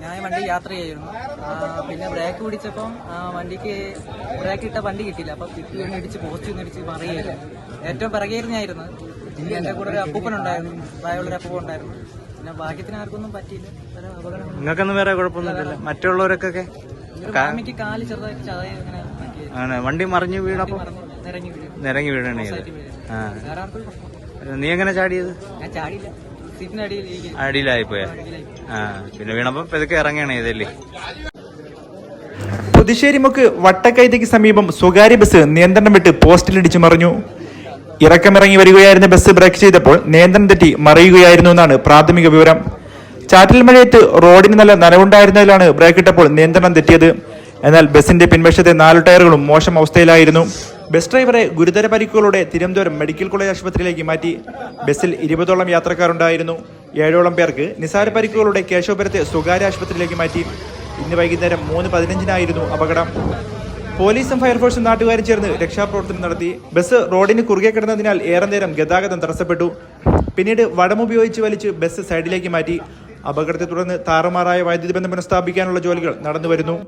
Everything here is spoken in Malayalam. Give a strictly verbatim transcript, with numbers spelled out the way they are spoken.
ഞാൻ വണ്ടി യാത്ര ചെയ്യായിരുന്നു. പിന്നെ ബ്രേക്ക് പിടിച്ചപ്പം വണ്ടിക്ക് ബ്രേക്ക് ഇട്ട വണ്ടി കിട്ടിയില്ല. അപ്പൊ പിറ്റി ഒന്ന് ഇടിച്ച് പോസ്റ്റ് ഒന്ന് ഇടിച്ച് മറിയായിരുന്നു. ഏറ്റവും പിറകെയായിരുന്നു. എന്റെ കൂടെ ഒരു അപ്പൂപ്പൻ ഉണ്ടായിരുന്നു, പ്രായമുള്ളൊരു അപ്പൂപ്പൻ ഉണ്ടായിരുന്നു. പിന്നെ ഭാഗ്യത്തിന് ആർക്കൊന്നും പറ്റിയില്ല. നിങ്ങൾക്കൊന്നും വേറെ കുഴപ്പമൊന്നുമില്ല? മറ്റുള്ളവർക്കൊക്കെ ഫാമിക്ക് കാല് ചെറുതായിട്ട് ചതയ അങ്ങനെ വണ്ടി മറിഞ്ഞു വീണപ്പോ നിരങ്ങി വീഴും നിരങ്ങി വീഴണേ. ആ, വേറെ ആർക്കും പ്രശ്നം. നീ എങ്ങനെ ചാടിയത്? ഞാൻ ചാടിയില്ല, സീറ്റിന്റെ അടിയിൽ അടിയിലായി പോയാ. ആ, പിന്നെ വീണപ്പോ ഇതൊക്കെ ഇറങ്ങണേ ഇതല്ലേ. പുതുശ്ശേരിമുക്ക് വട്ടക്കൈതയ്ക്ക് സമീപം സ്വകാര്യ ബസ് നിയന്ത്രണം വിട്ട് പോസ്റ്റിലിടിച്ചു മറിഞ്ഞു. ഇറക്കമിറങ്ങി വരികയായിരുന്ന ബസ് ബ്രേക്ക് ചെയ്തപ്പോൾ നിയന്ത്രണം തെറ്റി മറിയുകയായിരുന്നു എന്നാണ് പ്രാഥമിക വിവരം. ചാറ്റൽ മഴയത്ത് റോഡിന് നല്ല നനവുണ്ടായിരുന്നതിലാണ് ബ്രേക്ക് ഇട്ടപ്പോൾ നിയന്ത്രണം തെറ്റിയത്. എന്നാൽ ബസിന്റെ പിൻവശത്തെ നാല് ടയറുകളും മോശം അവസ്ഥയിലായിരുന്നു. ബസ് ഡ്രൈവറെ ഗുരുതര പരിക്കുകളോടെ തിരുവനന്തപുരം മെഡിക്കൽ കോളേജ് ആശുപത്രിയിലേക്ക് മാറ്റി. ബസ്സിൽ ഇരുപതോളം യാത്രക്കാരുണ്ടായിരുന്നു. ഏഴോളം പേർക്ക് നിസാര പരിക്കുകളോടെ കേശവപുരത്തെ സ്വകാര്യ ആശുപത്രിയിലേക്ക് മാറ്റി. ഇന്ന് വൈകുന്നേരം മൂന്ന് പതിനഞ്ചിനായിരുന്നു അപകടം. പോലീസും ഫയർഫോഴ്സും നാട്ടുകാരും ചേർന്ന് രക്ഷാപ്രവർത്തനം നടത്തി. ബസ് റോഡിന് കുറുകെ കിടന്നതിനാൽ ഏറെ നേരം ഗതാഗതം തടസ്സപ്പെട്ടു. പിന്നീട് വടമുപയോഗിച്ച് വലിച്ച് ബസ് സൈഡിലേക്ക് മാറ്റി. അപകടത്തെ തുടർന്ന് താറുമാറായ വൈദ്യുതി ബന്ധം പുനഃസ്ഥാപിക്കാനുള്ള ജോലികൾ നടന്നുവരുന്നു.